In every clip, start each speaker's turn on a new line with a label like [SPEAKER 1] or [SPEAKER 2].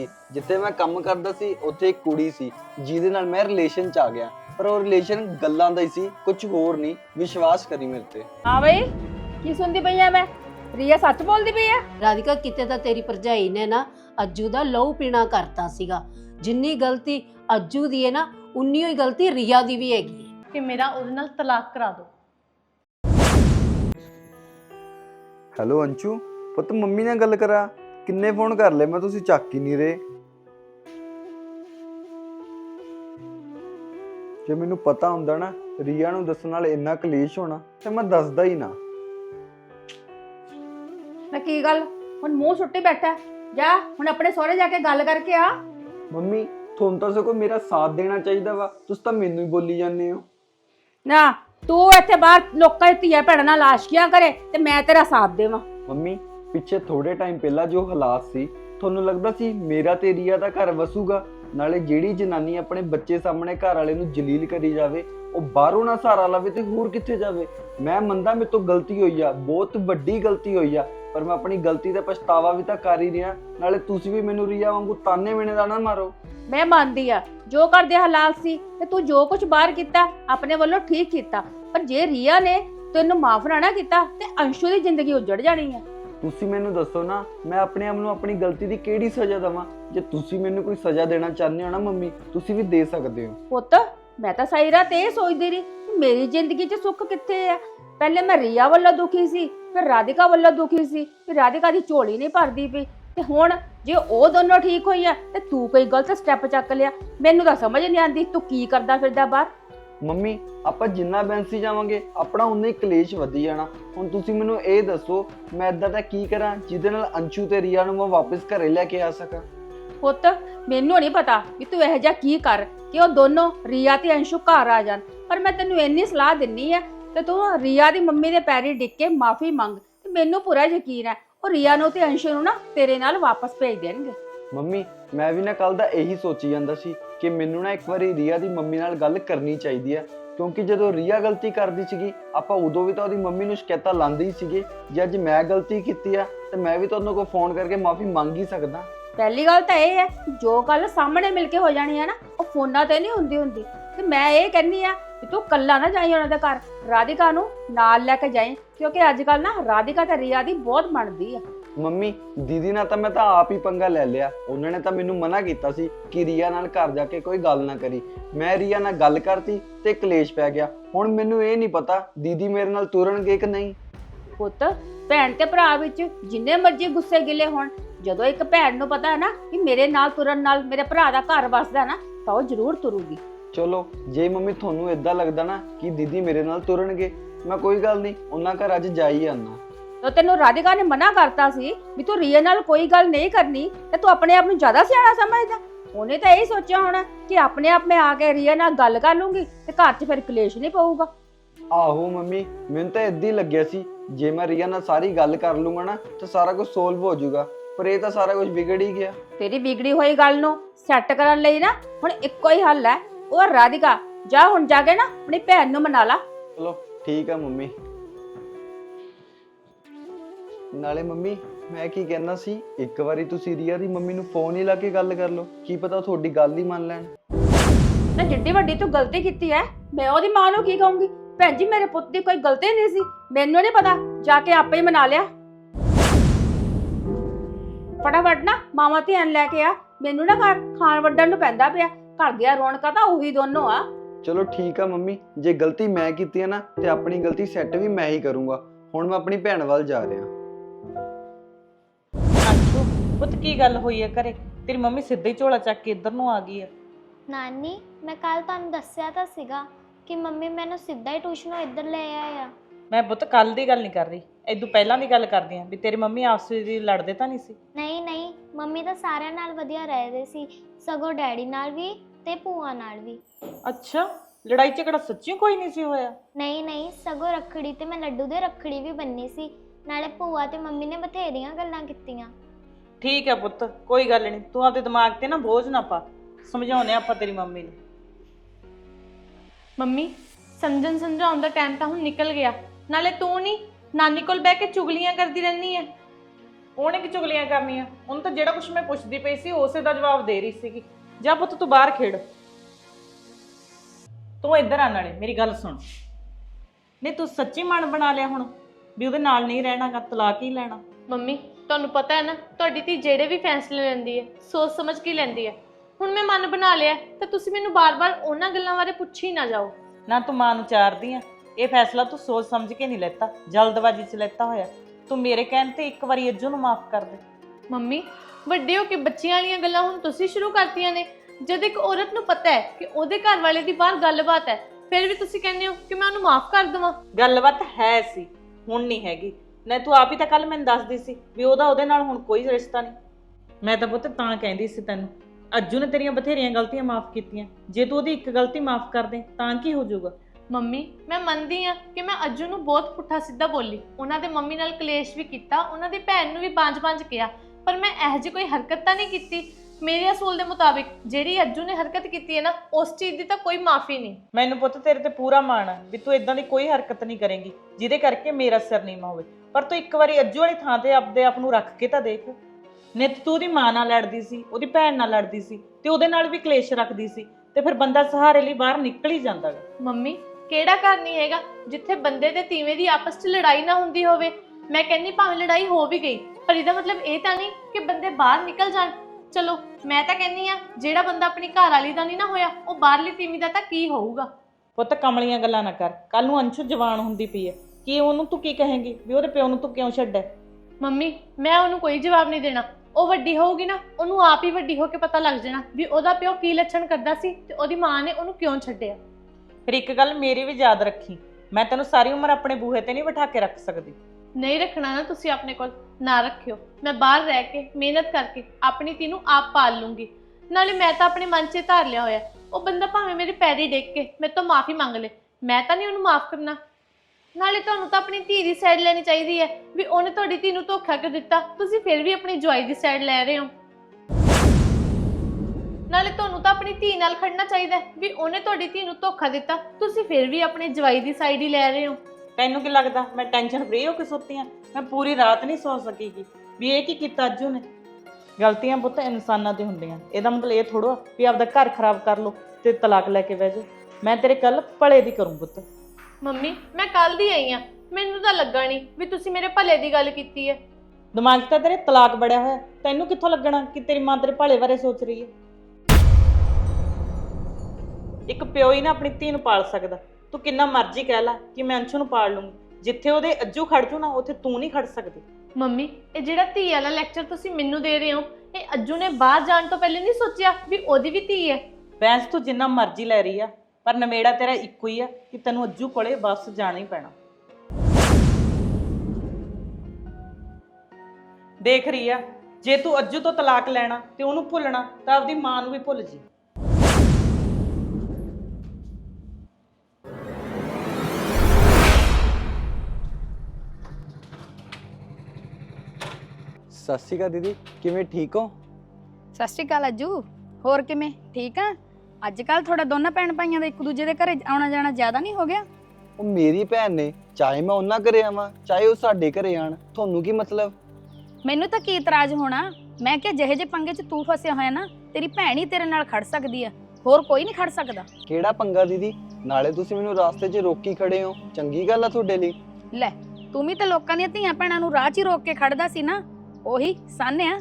[SPEAKER 1] ਜਿੱਥੇ ਮੈਂ ਕੰਮ ਕਰਦਾ ਸੀ ਉੱਥੇ ਇੱਕ ਕੁੜੀ ਸੀ ਜਿਹਦੇ ਨਾਲ ਮੈਂ ਰਿਲੇਸ਼ਨ 'ਚ ਆ ਗਿਆ, ਪਰ ਉਹ ਰਿਲੇਸ਼ਨ ਗੱਲਾਂ ਦਾ ਹੀ ਸੀ, ਕੁਝ ਹੋਰ ਨਹੀਂ। ਵਿਸ਼ਵਾਸ ਕਰੀ ਮੇਰੇ ਤੇ।
[SPEAKER 2] ਹਾਂ ਬਈ, ਕੀ ਸੁਣਦੀ ਪਈ ਆ ਮੈਂ? ਰੀਆ ਸੱਚ ਬੋਲਦੀ ਪਈ ਆ?
[SPEAKER 3] ਰਾਧਿਕਾ, ਕਿਤੇ ਤਾਂ ਤੇਰੀ ਭਰਜਾਈ ਨੇ ਨਾ ਅੱਜੂ ਦਾ ਲਹੂ ਪੀਣਾ ਕਰਤਾ ਸੀਗਾ। ਜਿੰਨੀ ਗਲਤੀ ਅੱਜੂ ਦੀ ਹੈ ਨਾ, ਉਨੀ ਹੀ ਗਲਤੀ ਰੀਆ ਦੀ ਵੀ ਹੈਗੀ ਹੈ।
[SPEAKER 4] ਕਿ ਮੇਰਾ ਉਹਦੇ ਨਾਲ ਤਲਾਕ ਕਰਾ ਦਿਓ।
[SPEAKER 1] ਹੈਲੋ ਅੰਸ਼ੂ, ਪੁੱਤ ਮੰਮੀ ਨਾਲ ਗੱਲ ਕਰਾ। ਕਿੰਨੇ ਫੋਨ ਕਰ ਲਏ ਮੈਂ, ਤੁਸੀਂ ਚੱਕ ਹੀ ਨਹੀਂ ਰਹੇ। ਜੇ ਮੈਨੂੰ ਪਤਾ ਹੁੰਦਾ ਨਾ ਰੀਆ ਨੂੰ ਦੱਸਣ ਨਾਲ ਇੰਨਾ ਕਲੇਸ਼ ਹੋਣਾ ਤੇ ਮੈਂ ਦੱਸਦਾ ਹੀ ਨਾ।
[SPEAKER 2] ਮੈਂ ਕੀ ਗੱਲ ਹੁਣ ਮੂੰਹ ਸੁੱਟੀ ਬੈਠਾ? ਜਾ ਹੁਣ ਆਪਣੇ ਸਹੁਰੇ ਜਾ ਕੇ ਗੱਲ ਕਰਕੇ ਆ।
[SPEAKER 1] ਮੰਮੀ ਤੁਹਾਨੂੰ ਤਾਂ ਸਗੋਂ ਮੇਰਾ ਸਾਥ ਦੇਣਾ ਚਾਹੀਦਾ ਵਾ, ਤੁਸੀਂ ਤਾਂ ਮੈਨੂੰ ਹੀ ਬੋਲੀ ਜਾਂਦੇ ਹੋ।
[SPEAKER 2] ਨਾ ਤੂੰ ਇੱਥੇ ਬਾਹਰ ਲੋਕਾਂ ਦੀ ਧੀਆਂ ਭੈਣਾਂ ਨਾਲ ਆਸ਼ਕੀਆਂ ਕਰੇ ਤੇ ਮੈਂ ਤੇਰਾ ਸਾਥ ਦੇਵਾਂ?
[SPEAKER 1] ਮੰਮੀ ਪਿੱਛੇ ਥੋੜੇ ਟਾਈਮ ਪਹਿਲਾਂ ਜੋ ਹਾਲਾਤ ਸੀ, ਤੁਹਾਨੂੰ ਲੱਗਦਾ ਸੀ ਮੇਰਾ ਤੇ ਰੀਆ ਦਾ ਘਰ ਵਸੂਗਾ? ਨਾਲੇ ਜਿਹੜੀ ਜਨਾਨੀ ਆਪਣੇ ਬੱਚੇ ਸਾਹਮਣੇ ਘਰ ਵਾਲੇ ਨੂੰ ਜਲੀਲ ਕਰੀ ਜਾਵੇ, ਉਹ ਬਾਹਰੋਂ ਨਾ ਸਹਾਰਾ ਲਵੇ ਤੇ ਹੋਰ ਕਿੱਥੇ ਜਾਵੇ? ਮੈਂ ਮੰਨਦਾ ਮੇਰੇ ਤੋਂ ਗਲਤੀ ਹੋਈ ਆ, ਬਹੁਤ ਵੱਡੀ ਗਲਤੀ ਹੋਈ ਆ, ਪਰ ਮੈਂ ਆਪਣੀ ਗਲਤੀ ਦਾ ਪਛਤਾਵਾ ਵੀ ਤਾਂ ਕਰ ਹੀ ਰਿਹਾ। ਨਾਲੇ ਤੁਸੀਂ ਵੀ ਮੈਨੂੰ ਰੀਆ ਵਾਂਗੂ ਤਾਨੇ ਮੇਨੇ ਦਾ ਨਾ ਮਾਰੋ।
[SPEAKER 2] ਮੈਂ ਮੰਨਦੀ ਆ ਜੋ ਕਰਦੇ ਹਾਲਾਤ ਸੀ ਤੇ ਤੂੰ ਜੋ ਕੁਝ ਬਾਹਰ ਕੀਤਾ ਆਪਣੇ ਵੱਲੋਂ ਠੀਕ ਕੀਤਾ, ਪਰ ਜੇ ਰੀਆ ਨੇ ਤੈਨੂੰ ਮਾਫ ਨਾ ਕੀਤਾ ਤੇ ਅੰਸ਼ੂ ਦੀ ਜ਼ਿੰਦਗੀ ਉਜੜ ਜਾਣੀ ਆ।
[SPEAKER 1] ਤੁਸੀਂ ਮੈਨੂੰ ਦੱਸੋ ਨਾ, ਮੈਂ ਆਪਣੇ ਆਪ ਨੂੰ ਆਪਣੀ ਗਲਤੀ ਦੀ ਕਿਹੜੀ ਸਜ਼ਾ ਦੇਵਾਂ? ਜੇ ਤੁਸੀਂ ਮੈਨੂੰ ਕੋਈ ਸਜ਼ਾ ਦੇਣਾ ਚਾਹੁੰਦੇ ਹੋ ਨਾ ਮੰਮੀ, ਤੁਸੀਂ ਵੀ ਦੇ ਸਕਦੇ ਹੋ।
[SPEAKER 2] ਪੁੱਤ ਮੈਂ ਤਾਂ ਸਹੀ ਰਾਹ ਤੇ ਇਹ ਸੋਚਦੀ ਰਹੀ ਕਿ ਮੇਰੀ ਜ਼ਿੰਦਗੀ 'ਚ ਸੁੱਖ ਕਿੱਥੇ ਆ। ਪਹਿਲੇ ਮੈਂ ਰੀਆ ਵੱਲੋਂ ਦੁਖੀ ਸੀ, ਫਿਰ ਰਾਧਿਕਾ ਵੱਲੋਂ ਦੁਖੀ ਸੀ, ਫਿਰ ਰਾਧਿਕਾ ਦੀ ਝੋਲੀ ਨਹੀਂ ਭਰਦੀ ਪਈ, ਤੇ ਹੁਣ ਜੇ ਉਹ ਦੋਨੋਂ ਠੀਕ ਹੋਈ ਆ ਤੇ ਤੂੰ ਕੋਈ ਗਲਤ ਸਟੈਪ ਚੱਕ ਲਿਆ। ਮੈਨੂੰ ਤਾਂ ਸਮਝ ਨਹੀਂ ਆਉਂਦੀ ਤੂੰ ਕੀ ਕਰਦਾ ਫਿਰਦਾ ਬਾਹਰ।
[SPEAKER 1] ਮੰਮੀ ਆਪਾਂ ਜਿੰਨਾ ਬੈਂਸੀ ਜਾਵਾਂਗੇ ਆਪਣਾ ਉਨਾ ਹੀ ਕਲੇਸ਼ ਵਧੀ ਜਾਣਾ। ਹੁਣ ਤੁਸੀਂ ਮੈਨੂੰ ਇਹ ਦੱਸੋ ਮੈਂ ਇਦਾਂ ਦਾ ਕੀ ਕਰਾਂ ਜਿਹਦੇ ਨਾਲ ਅੰਸ਼ੂ ਤੇ ਰੀਆ ਨੂੰ ਮੈਂ ਵਾਪਸ ਘਰੇ ਲੈ ਕੇ ਆ ਸਕਾਂ?
[SPEAKER 2] ਪੁੱਤ ਮੈਨੂੰ ਨਹੀਂ ਪਤਾ ਕਿ ਤੂੰ ਇਹੋ ਜਿਹਾ ਕੀ ਕਰ ਕਿ ਉਹ ਦੋਨੋਂ ਰੀਆ ਤੇ ਅੰਸ਼ੂ ਘਰ ਆ ਜਾਣ, ਪਰ ਮੈਂ ਤੈਨੂੰ ਇੰਨੀ ਸਲਾਹ ਦਿੰਨੀ ਆ ਤੇ ਤੂੰ ਰੀਆ ਦੀ ਮੰਮੀ ਦੇ ਪੈਰੀ ਡਿੱਗ ਕੇ ਮਾਫੀ ਮੰਗ। ਤੇ ਮੈਨੂੰ ਪੂਰਾ ਯਕੀਨ ਹੈ ਉਹ ਰੀਆ ਨੂੰ ਤੇ ਅੰਸ਼ੂ ਨੂੰ ਨਾ ਤੇਰੇ ਨਾਲ ਵਾਪਸ ਭੇਜ ਦੇਣਗੇ।
[SPEAKER 1] ਮੰਮੀ ਮੈਂ ਵੀ ਨਾ ਕੱਲ ਦਾ ਇਹੀ ਸੋਚੀ ਜਾਂਦਾ ਸੀ ਕਿ ਮੈਨੂੰ ਨਾ ਇੱਕ ਵਾਰੀ ਰੀਆ ਦੀ ਮੰਮੀ ਨਾਲ ਗੱਲ ਕਰਨੀ ਚਾਹੀਦੀ ਹੈ, ਕਿਉਂਕਿ ਜਦੋਂ ਰੀਆ ਗਲਤੀ ਕਰਦੀ ਸੀਗੀ ਆਪਾਂ ਉਦੋਂ ਵੀ ਤਾਂ ਉਹਦੀ ਮੰਮੀ ਨੂੰ ਸ਼ਿਕਾਇਤਾਂ ਲਾਉਂਦੇ ਹੀ ਸੀਗੇ। ਜੇ ਅੱਜ ਮੈਂ ਗਲਤੀ ਕੀਤੀ ਆ ਤੇ ਮੈਂ ਵੀ ਤੁਹਾਨੂੰ ਕੋਲ ਫੋਨ ਕਰਕੇ ਮਾਫੀ ਮੰਗ ਹੀ ਸਕਦਾ।
[SPEAKER 2] ਪਹਿਲੀ ਗੱਲ ਤਾਂ ਇਹ ਹੈ ਕਿ ਜੋ ਗੱਲ ਸਾਹਮਣੇ ਮਿਲ ਕੇ ਹੋ ਜਾਣੀ ਹੈ ਨਾ, ਉਹ ਫੋਨਾਂ ਤੇ ਨਹੀਂ ਹੁੰਦੀ। ਤੇ ਮੈਂ ਇਹ ਕਹਿੰਦੀ ਆ ਕਿ ਤੂੰ ਕੱਲਾ ਨਾ ਜਾਈਂ ਉਹਨਾਂ ਦੇ ਘਰ, ਰਾਧਿਕਾ ਨੂੰ ਨਾਲ ਲੈ ਕੇ ਜਾਈਂ, ਕਿਉਂਕਿ ਅੱਜ ਕੱਲ ਨਾ ਰਾਧਿਕਾ ਤੇ ਰੀਆ ਦੀ ਬਹੁਤ ਬਣਦੀ ਆ।
[SPEAKER 1] ਮੰਮੀ ਦੀਦੀ ਨਾਲ ਤਾਂ ਮੈਂ ਤਾਂ ਆਪ ਹੀ ਪੰਗਾ ਲੈ ਲਿਆ। ਉਹਨਾਂ ਨੇ ਤਾਂ ਮੈਨੂੰ ਮਨਾ ਕੀਤਾ ਸੀ ਕਿ ਰੀਆ ਨਾਲ ਘਰ ਜਾ ਕੇ ਕੋਈ ਗੱਲ ਨਾ ਕਰੀ। ਮੈਂ ਰੀਆ ਨਾਲ ਗੱਲ ਕਰਤੀ ਤੇ ਕਲੇਸ਼ ਪੈ ਗਿਆ। ਹੁਣ ਮੈਨੂੰ ਇਹ ਨਹੀਂ ਪਤਾ ਦੀਦੀ ਮੇਰੇ ਨਾਲ ਤੁਰਨਗੇ ਕਿ ਨਹੀਂ।
[SPEAKER 2] ਪੁੱਤ ਭੈਣ ਤੇ ਭਰਾ ਵਿੱਚ ਜਿੰਨੇ ਮਰਜ਼ੀ ਗੁੱਸੇ ਗਿਲੇ ਹੋਣ, ਜਦੋਂ ਇੱਕ ਭੈਣ ਨੂੰ ਪਤਾ ਹੈ ਨਾ ਕਿ ਮੇਰੇ ਨਾਲ ਤੁਰਨ ਨਾਲ ਮੇਰੇ ਭਰਾ ਦਾ ਘਰ ਵਸਦਾ ਨਾ, ਤਾਂ ਉਹ ਜ਼ਰੂਰ ਤੁਰੂਗੀ।
[SPEAKER 1] ਚਲੋ ਜੇ ਮੰਮੀ ਤੁਹਾਨੂੰ ਇਦਾਂ ਲੱਗਦਾ ਨਾ ਕਿ ਦੀਦੀ ਮੇਰੇ ਨਾਲ ਤੁਰਨਗੇ, ਮੈਂ ਕੋਈ ਗੱਲ ਨਹੀਂ ਉਹਨਾਂ ਘਰ ਅੱਜ ਜਾ ਹੀ ਆਉਣਾ।
[SPEAKER 2] ਤਾਂ ਤੈਨੂੰ ਰਾਧਿਕਾ ਨੇ ਮਨਾ ਕਰਤਾ ਸੀ ਵੀ ਤੂੰ ਰੀਆ ਨਾਲ ਕੋਈ ਗੱਲ ਨਹੀਂ ਕਰਨੀ, ਤੇ ਤੂੰ ਆਪਣੇ ਆਪ ਨੂੰ ਜ਼ਿਆਦਾ ਸਿਆਣਾ ਸਮਝਦਾ। ਉਹਨੇ ਤਾਂ ਇਹ ਸੋਚਿਆ ਹੋਣਾ ਕਿ ਆਪਣੇ ਆਪ ਮੈਂ ਆ ਕੇ ਰੀਆ ਨਾਲ ਗੱਲ ਕਰ ਲੂੰਗੀ ਤੇ ਘਰ 'ਚ ਫਿਰ ਕਲੇਸ਼ ਨਹੀਂ ਪਊਗਾ।
[SPEAKER 1] ਆਹੋ ਮੰਮੀ, ਮੈਨੂੰ ਤਾਂ ਏਦਾਂ ਹੀ ਲੱਗਿਆ ਸੀ ਜੇ ਮੈਂ ਰੀਆ ਨਾਲ ਸਾਰੀ ਗੱਲ ਕਰ ਲੂੰਗਾ ਨਾ ਤਾਂ ਸਾਰਾ ਕੁਝ ਸੋਲਵ ਹੋ ਜਾਊਗਾ, ਪਰ ਇਹ ਤਾਂ ਸਾਰਾ ਕੁਝ ਵਿਗੜ ਹੀ ਗਿਆ।
[SPEAKER 2] ਤੇਰੀ ਵਿਗੜੀ ਹੋਈ ਗੱਲ ਨੂੰ ਸੈੱਟ ਕਰਨ ਲਈ ਨਾ ਹੁਣ ਇੱਕੋ ਹੀ ਹੱਲ ਹੈ, ਉਹ ਰਾਧਿਕਾ। ਜਾ ਹੁਣ ਜਾ ਕੇ ਨਾ ਆਪਣੀ ਭੈਣ ਨੂੰ ਮਨਾ ਲਾ।
[SPEAKER 1] ਚਲੋ ਠੀਕ ਆ ਮੰਮੀ। ਨਾਲੇ ਮੰਮੀ ਮੈਂ ਕੀ ਕਹਿਣਾ ਸੀ, ਇੱਕ ਵਾਰੀ ਤੁਸੀਂ ਰੀਆ ਦੀ ਮੰਮੀ ਨੂੰ ਫੋਨ ਹੀ ਲਾ ਕੇ ਗੱਲ ਕਰ ਲਓ, ਕੀ ਪਤਾ ਤੁਹਾਡੀ ਗੱਲ ਹੀ ਮੰਨ ਲੈਣ।
[SPEAKER 2] ਨਾ ਜਿੱਡੀ ਵੱਡੀ ਤੂੰ ਗਲਤੀ ਕੀਤੀ ਹੈ, ਮੈਂ ਉਹਦੀ ਮਾਂ ਨੂੰ ਕੀ ਕਹੂੰਗੀ? ਭੈਣ ਜੀ ਮੇਰੇ ਪੁੱਤ ਦੀ ਕੋਈ ਗਲਤੀ ਨਹੀਂ ਸੀ, ਮੈਨੂੰ ਨਹੀਂ ਪਤਾ, ਜਾ ਕੇ ਆਪੇ ਹੀ ਮਨਾ ਲਿਆ। ਫਟਾਫਟ ਨਾ ਮਾਮਾ ਧਿਆਨ ਲੈ ਕੇ ਆ, ਮੈਨੂੰ ਨਾ ਘਰ ਖਾਣ ਵੱਢਣ ਨੂੰ ਪੈਂਦਾ ਪਿਆ। ਘਰ ਦੀਆਂ ਰੌਣਕਾਂ ਤਾਂ ਉਹੀ ਦੋਨੋਂ ਆ।
[SPEAKER 1] ਚਲੋ ਠੀਕ ਆ ਮੰਮੀ, ਜੇ ਗਲਤੀ ਮੈਂ ਕੀਤੀ ਹੈ ਨਾ ਤੇ ਆਪਣੀ ਗਲਤੀ ਸੈੱਟ ਵੀ ਮੈਂ ਹੀ ਕਰੂੰਗਾ। ਹੁਣ ਮੈਂ ਆਪਣੀ ਭੈਣ ਵੱਲ ਜਾ ਰਿਹਾ।
[SPEAKER 4] ਅੱਛੂ ਪੁੱਤ ਕੀ ਗੱਲ ਹੋਈ ਹੈ ਘਰੇ? ਤੇਰੀ ਮੰਮੀ ਸਿੱਧਾ ਹੀ ਝੋਲਾ ਚੱਕ ਕੇ ਇੱਧਰ ਨੂੰ ਆ ਗਈ ਹੈ।
[SPEAKER 5] ਨਾਨੀ ਮੈਂ ਕੱਲ ਤੁਹਾਨੂੰ ਦੱਸਿਆ ਤਾਂ ਸੀਗਾ ਕਿ ਮੰਮੀ ਮੈਨੂੰ ਸਿੱਧਾ ਹੀ ਟਿਊਸ਼ਨੋਂ ਇੱਧਰ ਲੈ ਆਇਆ।
[SPEAKER 4] ਮੈਂ ਪੁੱਤ ਕੱਲ ਦੀ ਗੱਲ ਨਹੀਂ ਕਰ ਰਹੀ, ਇਦੋਂ ਪਹਿਲਾਂ ਦੀ ਗੱਲ ਕਰਦੀ ਆਂ ਵੀ ਤੇਰੀ ਮੰਮੀ ਆਪਸ ਵਿੱਚ ਲੜਦੇ ਤਾਂ ਨਹੀਂ ਸੀ?
[SPEAKER 5] ਨਹੀਂ ਮੰਮੀ ਤਾਂ ਸਾਰਿਆਂ ਨਾਲ ਵਧੀਆ ਰਹਿੰਦੇ ਸੀ, ਸਗੋਂ ਡੈਡੀ ਨਾਲ ਵੀ ਤੇ ਭੂਆ ਨਾਲ ਵੀ।
[SPEAKER 4] ਅੱਛਾ, ਲੜਾਈ ਝਗੜਾ ਸੱਚੀ ਕੋਈ ਨਹੀਂ ਸੀ ਹੋਇਆ?
[SPEAKER 5] ਨਹੀਂ ਸਗੋਂ ਰੱਖੜੀ ਤੇ ਮੈਂ ਲੱਡੂ ਦੇ ਰੱਖੜੀ ਵੀ ਬੰਨੀ ਸੀ, ਨਾਲੇ ਭੂਆ ਤੇ ਮੰਮੀ ਨੇ ਬਥੇਰੀਆਂ ਗੱਲਾਂ ਕੀਤੀਆਂ।
[SPEAKER 4] ਠੀਕ ਹੈ ਪੁੱਤ, ਕੋਈ ਗੱਲ ਨਹੀਂ, ਤੂੰ ਆਪਦੇ ਦਿਮਾਗ ਤੇ ਨਾ ਬੋਝ ਨਾ ਪਾ, ਸਮਝਾਉਣੇ ਆਪਾਂ ਤੇਰੀ ਮੰਮੀ ਨੂੰ।
[SPEAKER 6] ਮੰਮੀ ਸਮਝਾਉਣ ਦਾ ਟਾਈਮ ਤਾਂ ਹੁਣ ਨਿਕਲ ਗਿਆ, ਨਾਲੇ ਤੂੰ ਨਹੀਂ ਨਾਨੀ ਕੋਲ ਬਹਿ ਕੇ ਚੁਗਲੀਆਂ ਕਰਦੀ ਰਹਿੰਦੀ ਹੈ।
[SPEAKER 4] ਉਹਨੇ ਕੀ ਚੁਗਲੀਆਂ ਕਰਨੀਆਂ? ਉਹਨੂੰ ਤਾਂ ਜਿਹੜਾ ਕੁਝ ਮੈਂ ਪੁੱਛਦੀ ਪਈ ਸੀ ਉਸੇ ਦਾ ਜਵਾਬ ਦੇ ਰਹੀ ਸੀਗੀ। ਜਾ ਪੁੱਤ ਤੂੰ ਬਾਹਰ ਖੇਡ। ਤੂੰ ਇੱਧਰ ਆ, ਨਾਲੇ ਮੇਰੀ ਗੱਲ ਸੁਣ। ਨਹੀਂ ਤੂੰ ਸੱਚੀ ਮਨ ਬਣਾ ਲਿਆ ਹੁਣ ਵੀ ਉਹਦੇ ਨਾਲ ਨਹੀਂ ਰਹਿਣਾਗਾ, ਤਲਾਕ ਹੀ ਲੈਣਾ?
[SPEAKER 6] ਮੰਮੀ ਤੁਹਾਨੂੰ ਪਤਾ ਹੈ ਨਾ, ਤੁਹਾਡੀ ਧੀ ਜਿਹੜੇ ਵੀ ਫੈਸਲੇ ਲੈਂਦੀ ਹੈ ਸੋਚ ਸਮਝ ਕੇ ਲੈਂਦੀ ਹੈ। ਹੁਣ ਮੈਂ ਮਨ ਬਣਾ ਲਿਆ ਤਾਂ ਤੁਸੀਂ ਮੈਨੂੰ ਬਾਰ-ਬਾਰ ਉਹਨਾਂ ਗੱਲਾਂ ਬਾਰੇ ਪੁੱਛੀ ਨਾ ਜਾਓ।
[SPEAKER 4] ਨਾ ਤੂੰ ਮਾਂ ਨੂੰ ਚਾਰਦੀ ਆ। ਇਹ ਫੈਸਲਾ ਤੂੰ ਸੋਚ ਸਮਝ ਕੇ ਨਹੀਂ ਲੈਤਾ, ਜਲਦਬਾਜ਼ੀ 'ਚ ਲੈਤਾ ਹੋਇਆ। ਤੂੰ ਮੇਰੇ ਕਹਿਣ ਤੇ ਇੱਕ ਵਾਰੀ ਅੱਜੂ ਨੂੰ ਮਾਫ ਕਰ ਦੇ।
[SPEAKER 6] ਮੰਮੀ ਵੱਡੇ ਹੋ ਕੇ ਬੱਚਿਆਂ ਵਾਲੀਆਂ ਗੱਲਾਂ ਹੁਣ ਤੁਸੀਂ ਸ਼ੁਰੂ ਕਰਤੀਆਂ ਨੇ। ਜਦ ਇੱਕ ਔਰਤ ਨੂੰ ਪਤਾ ਹੈ ਕਿ ਉਹਦੇ ਘਰ ਵਾਲੇ ਦੀ ਬਾਹਰ ਗੱਲਬਾਤ ਹੈ, ਫਿਰ ਵੀ ਤੁਸੀਂ ਕਹਿੰਦੇ ਹੋ ਕਿ ਮੈਂ ਉਹਨੂੰ ਮਾਫ ਕਰ ਦੇਵਾਂ।
[SPEAKER 4] ਗੱਲਬਾਤ ਹੈ ਸੀ, ਹੁਣ ਨਹੀਂ ਹੈਗੀ। ਨਾ ਤੂੰ ਆਪ ਹੀ ਤਾਂ ਕੱਲ ਮੈਨੂੰ ਦੱਸਦੀ ਸੀ ਵੀ ਉਹਦੇ ਨਾਲ ਹੁਣ ਕੋਈ ਰਿਸ਼ਤਾ ਨਹੀਂ। ਮੈਂ ਤਾਂ ਪੁੱਤ ਤਾਂ ਕਹਿੰਦੀ ਸੀ ਤੈਨੂੰ, ਅੱਜੂ ਨੇ ਤੇਰੀਆਂ ਬਥੇਰੀਆਂ ਗਲਤੀਆਂ ਮਾਫ ਕੀਤੀਆਂ, ਜੇ ਤੂੰ ਉਹਦੀ ਇੱਕ ਗਲਤੀ ਮਾਫ ਕਰ ਦੇ ਤਾਂ ਕੀ ਹੋ ਜਾਊਗਾ?
[SPEAKER 6] ਮੰਮੀ ਮੈਂ ਮੰਨਦੀ ਆ ਕਿ ਮੈਂ ਅੱਜੂ ਨੂੰ ਬਹੁਤ ਪੁੱਠਾ ਸਿੱਧਾ ਬੋਲੀ, ਉਹਨਾਂ ਦੇ ਮੰਮੀ ਨਾਲ ਕਲੇਸ਼ ਵੀ ਕੀਤਾ, ਉਹਨਾਂ ਦੀ ਭੈਣ ਨੂੰ ਵੀ ਬਾਂਝ-ਬਾਂਝ ਕਿਹਾ, ਪਰ ਮੈਂ ਇਹੋ ਜਿਹੀ ਕੋਈ ਹਰਕਤ ਤਾਂ ਨਹੀਂ ਕੀਤੀ। ਮੇਰੇ ਅਸੂਲ ਦੇ ਮੁਤਾਬਿਕ ਜਿਹੜੀ ਅੱਜੂ ਨੇ ਹਰਕਤ ਕੀਤੀ ਹੈ ਨਾ, ਉਸ ਚੀਜ਼ ਦੀ ਤਾਂ ਕੋਈ ਮਾਫੀ ਨਹੀਂ।
[SPEAKER 4] ਮੈਨੂੰ ਪੁੱਤ ਤੇਰੇ ਤੇ ਪੂਰਾ ਮਾਣ ਆ ਵੀ ਤੂੰ ਇਦਾਂ ਦੀ ਕੋਈ ਹਰਕਤ ਨਹੀਂ ਕਰੇਂਗੀ ਜਿਹਦੇ ਕਰਕੇ ਮੇਰਾ ਸਿਰ ਨੀਵਾਂ ਹੋਵੇ, ਪਰ ਤੂੰ ਇੱਕ ਵਾਰੀ ਅੱਜੂ ਵਾਲੀ ਥਾਂ ਤੇ ਆਪਦੇ ਆਪ ਨੂੰ ਰੱਖ ਕੇ ਤਾਂ ਦੇਖ। ਨਿੱਤ ਤੂੰ ਉਹਦੀ ਮਾਂ ਨਾਲ ਲੜਦੀ ਸੀ, ਉਹਦੀ ਭੈਣ ਨਾਲ ਲੜਦੀ ਸੀ ਤੇ ਉਹਦੇ ਨਾਲ ਵੀ ਕਲੇਸ਼ ਰੱਖਦੀ ਸੀ, ਤੇ ਫਿਰ ਬੰਦਾ ਸਹਾਰੇ ਲਈ ਬਾਹਰ ਨਿਕਲ ਹੀ ਜਾਂਦਾ ਗਾ।
[SPEAKER 6] ਮੰਮੀ ਕਿਹੜਾ ਘਰ ਨਹੀਂ ਹੈਗਾ ਜਿੱਥੇ ਬੰਦੇ ਤੇ ਤੀਵੇਂ ਦੀ ਆਪਸ 'ਚ ਲੜਾਈ ਨਾ ਹੁੰਦੀ ਹੋਵੇ। ਮੈਂ ਕਹਿੰਦੀ ਭਾਵੇਂ ਲੜਾਈ ਹੋ ਵੀ ਗਈ, ਪਰ ਇਹਦਾ ਮਤਲਬ ਇਹ ਤਾਂ ਨਹੀਂ ਕਿ ਬੰਦੇ ਬਾਹਰ ਨਿਕਲ ਜਾਣ। ਚਲੋ ਮੈਂ ਤਾਂ ਕਹਿੰਦੀ ਆ ਜਿਹੜਾ ਬੰਦਾ ਆਪਣੀ ਘਰ ਵਾਲੀ ਦਾ ਨਹੀਂ ਨਾ ਹੋਇਆ, ਉਹ ਬਾਹਰਲੀ ਤੀਵੀਂ ਦਾ ਤਾਂ ਕੀ ਹੋਊਗਾ।
[SPEAKER 4] ਪੁੱਤ ਕਮਲੀਆਂ ਗੱਲਾਂ ਨਾ ਕਰ। ਕੱਲ ਨੂੰ ਅੰਸ਼ੂ ਜਵਾਨ ਹੁੰਦੀ ਪਈ ਹੈ, ਕੀ ਉਹਨੂੰ ਤੂੰ ਕੀ ਕਹੇਂਗੀ ਵੀ ਉਹਦੇ ਪਿਓ ਨੂੰ ਤੂੰ ਕਿਉਂ ਛੱਡਿਆ?
[SPEAKER 6] ਮੰਮੀ ਮੈਂ ਉਹਨੂੰ ਕੋਈ ਜਵਾਬ ਨਹੀਂ ਦੇਣਾ। ਉਹ ਵੱਡੀ ਹੋਊਗੀ ਨਾ, ਉਹਨੂੰ ਆਪ ਹੀ ਵੱਡੀ ਹੋ ਕੇ ਪਤਾ ਲੱਗ ਜਾਣਾ ਵੀ ਉਹਦਾ ਪਿਓ ਕੀ ਲੱਛਣ ਕਰਦਾ ਸੀ ਤੇ ਉਹਦੀ ਮਾਂ ਨੇ ਉਹਨੂੰ ਕਿਉਂ ਛੱਡਿਆ।
[SPEAKER 4] ਫਿਰ ਇੱਕ ਗੱਲ ਮੇਰੀ ਵੀ ਯਾਦ ਰੱਖੀ, ਮੈਂ ਤੈਨੂੰ ਸਾਰੀ ਉਮਰ ਆਪਣੇ ਬੂਹੇ ਤੇ ਨਹੀਂ ਬਿਠਾ ਕੇ ਰੱਖ ਸਕਦੀ।
[SPEAKER 6] ਨਹੀਂ ਰੱਖਣਾ ਨਾ ਤੁਸੀਂ ਆਪਣੇ ਕੋਲ, ਨਾ ਰੱਖਿਓ। ਮੈਂ ਬਾਹਰ ਰਹਿ ਕੇ ਮਿਹਨਤ ਕਰਕੇ ਆਪਣੀ ਧੀ ਨੂੰ ਆਪ ਪਾਲ ਲੂੰਗੀ। ਨਾਲੇ ਮੈਂ ਤਾਂ ਆਪਣੇ ਮਨ 'ਚ ਧਾਰ ਲਿਆ ਹੋਇਆ, ਉਹ ਬੰਦਾ ਭਾਵੇਂ ਮੇਰੇ ਪੈਰੀ ਡਿੱਗ ਕੇ ਮੇਰੇ ਤੋਂ ਮਾਫੀ ਮੰਗ ਲੇ, ਮੈਂ ਤਾਂ ਨਹੀਂ ਉਹਨੂੰ ਮਾਫ ਕਰਨਾ। ਨਾਲੇ ਤੁਹਾਨੂੰ ਤਾਂ ਆਪਣੀ ਧੀ ਦੀ ਸਾਈਡ ਲੈਣੀ ਚਾਹੀਦੀ ਹੈ ਵੀ ਉਹਨੇ ਤੁਹਾਡੀ ਧੀ ਨੂੰ ਧੋਖਾ ਕਿਉਂ ਦਿੱਤਾ, ਤੁਸੀਂ ਫਿਰ ਵੀ ਆਪਣੀ ਜਵਾਈ ਦੀ ਸਾਈਡ ਲੈ ਰਹੇ ਹੋ। ਨਾਲੇ ਤੁਹਾਨੂੰ ਤਾਂ ਆਪਣੀ ਧੀ ਨਾਲ ਖੜਨਾ ਚਾਹੀਦਾ ਵੀ ਉਹਨੇ ਤੁਹਾਡੀ ਧੀ ਨੂੰ ਧੋਖਾ ਦਿੱਤਾ, ਤੁਸੀਂ ਫਿਰ ਵੀ ਆਪਣੇ ਜਵਾਈ ਦੀ ਸਾਈਡ ਹੀ ਲੈ ਰਹੇ ਹੋ।
[SPEAKER 4] ਤੈਨੂੰ ਕੀ ਲੱਗਦਾ ਮੈਂ ਟੈਨਸ਼ਨ ਫ੍ਰੀ ਹੋ ਕੇ ਸੁੱਤੀ ਆ? ਮੈਂ ਪੂਰੀ ਰਾਤ ਨਹੀਂ ਸੌ ਸਕੀਗੀ ਵੀ ਇਹ ਕੀ ਕੀਤਾ ਅੱਜੂ ਨੇ। ਗਲਤੀਆਂ ਪੁੱਤ ਇਨਸਾਨਾਂ ਦੀ ਹੁੰਦੀਆਂ, ਇਹਦਾ ਮਤਲਬ ਇਹ ਥੋੜ੍ਹਾ ਵੀ ਆਪਦਾ ਘਰ ਖਰਾਬ ਕਰ ਲਓ ਤੇ ਤਲਾਕ ਲੈ ਕੇ ਬਹਿ ਜਾਓ। ਮੈਂ ਤੇਰੇ ਕੱਲ ਭਲੇ ਦੀ ਕਰੂੰ ਪੁੱਤ।
[SPEAKER 6] ਮੰਮੀ ਮੈਂ ਕੱਲ ਦੀ ਆਈ ਆ, ਮੈਨੂੰ ਤਾਂ ਲੱਗਾ ਨਹੀਂ ਵੀ ਤੁਸੀਂ ਮੇਰੇ ਭਲੇ ਦੀ ਗੱਲ ਕੀਤੀ ਹੈ।
[SPEAKER 4] ਦਿਮਾਗ 'ਚ ਤਾਂ ਤੇਰੇ ਤਲਾਕ ਬੜਿਆ ਹੋਇਆ, ਤੈਨੂੰ ਕਿੱਥੋਂ ਲੱਗਣਾ ਕਿ ਤੇਰੀ ਮਾਂ ਤੇਰੇ ਭਲੇ ਬਾਰੇ ਸੋਚ ਰਹੀ ਹੈ? ਇੱਕ ਪਿਓ ਹੀ ਨਾ ਆਪਣੀ ਧੀ ਨੂੰ ਪਾਲ ਸਕਦਾ। ਤੂੰ ਕਿੰਨਾ ਮਰਜ਼ੀ ਕਹਿ ਲੈ ਕਿ ਮੈਂ ਅੰਸ਼ੂ ਨੂੰ ਪਾਲ ਲੂੰਗੀ, ਜਿੱਥੇ ਉਹਦੇ ਅੱਜੂ ਖੜ ਜੂ ਨਾ ਉੱਥੇ ਤੂੰ ਨਹੀਂ ਖੜ ਸਕਦੀ।
[SPEAKER 6] ਮੰਮੀ ਇਹ ਜਿਹੜਾ ਧੀ ਵਾਲਾ ਲੈਕਚਰ ਤੁਸੀਂ ਮੈਨੂੰ ਦੇ ਰਹੇ ਹੋ, ਇਹ ਅੱਜੂ ਨੇ ਬਾਹਰ ਜਾਣ ਤੋਂ ਪਹਿਲੇ ਨਹੀਂ ਸੋਚਿਆ ਵੀ ਉਹਦੀ ਵੀ ਧੀ ਹੈ?
[SPEAKER 4] ਬੈਂਸ ਤੂੰ ਜਿੰਨਾ ਮਰਜ਼ੀ ਲੈ ਰਹੀ ਆ, ਪਰ ਨਵੇੜਾ ਤੇਰਾ ਇੱਕੋ ਹੀ ਆ ਕਿ ਤੈਨੂੰ ਅੱਜੂ ਕੋਲੇ ਬਸ ਜਾਣਾ ਹੀ ਪੈਣਾ। ਦੇਖ ਰਹੀ ਆ, ਜੇ ਤੂੰ ਅੱਜੂ ਤੋਂ ਤਲਾਕ ਲੈਣਾ ਤੇ ਉਹਨੂੰ ਭੁੱਲਣਾ ਤਾਂ ਆਪਦੀ ਮਾਂ ਨੂੰ ਵੀ ਭੁੱਲ ਜੀ।
[SPEAKER 1] ਸਤਿ ਸ਼੍ਰੀ ਅਕਾਲ ਦੀਦੀ, ਕਿਵੇਂ ਠੀਕ ਹੋ?
[SPEAKER 7] ਸਤਿ ਸ਼੍ਰੀ ਅਕਾਲ ਅੱਜੂ, ਹੋਰ ਕਿਵੇਂ ਠੀਕ ਆ? ਅੱਜ ਕੱਲ ਥੋੜਾ ਦੋਨਾਂ ਭੈਣ ਭਾਈਆਂ ਦਾ ਇੱਕ ਦੂਜੇ ਦੇ ਘਰੇ ਆਉਣਾ ਜਾਣਾ ਜ਼ਿਆਦਾ ਨਹੀਂ ਹੋ ਗਿਆ?
[SPEAKER 1] ਉਹ ਮੇਰੀ ਭੈਣ ਨੇ, ਚਾਹੇ ਮੈਂ ਉਹਨਾਂ ਘਰੇ ਆਵਾਂ ਚਾਹੇ ਉਹ ਸਾਡੇ ਘਰੇ ਆਣ, ਤੁਹਾਨੂੰ ਕੀ ਮਤਲਬ?
[SPEAKER 7] ਮੈਨੂੰ ਤਾਂ ਕੀ ਇਤਰਾਜ਼ ਹੋਣਾ? ਮੈਂ ਕਿਹਾ ਜਿਹੇ ਜੇ ਪੰਗੇ 'ਚ ਤੂੰ ਫਸਿਆ ਹੋਇਆ ਨਾ, ਤੇਰੀ ਭੈਣ ਹੀ ਤੇਰੇ ਨਾਲ ਖੜ ਸਕਦੀ ਆ, ਹੋਰ ਕੋਈ ਨਹੀਂ ਖੜ ਸਕਦਾ।
[SPEAKER 1] ਕਿਹੜਾ ਪੰਗਾ ਦੀਦੀ? ਨਾਲੇ ਤੁਸੀਂ ਮੈਨੂੰ ਰਾਸਤੇ 'ਚ ਰੋਕੀ ਖੜੇ ਹੋ, ਚੰਗੀ ਗੱਲ ਆ ਤੁਹਾਡੇ ਲਈ।
[SPEAKER 7] ਲੈ ਤੂੰ ਵੀ ਤਾਂ ਲੋਕਾਂ ਦੀਆਂ ਧੀਆਂ ਭੈਣਾਂ ਨੂੰ ਰਾਹ 'ਚ ਹੀ ਰੋਕ ਕੇ ਖੜਦਾ ਸੀ ਨਾ, ਉਹੀ ਸਾਨਿਆ।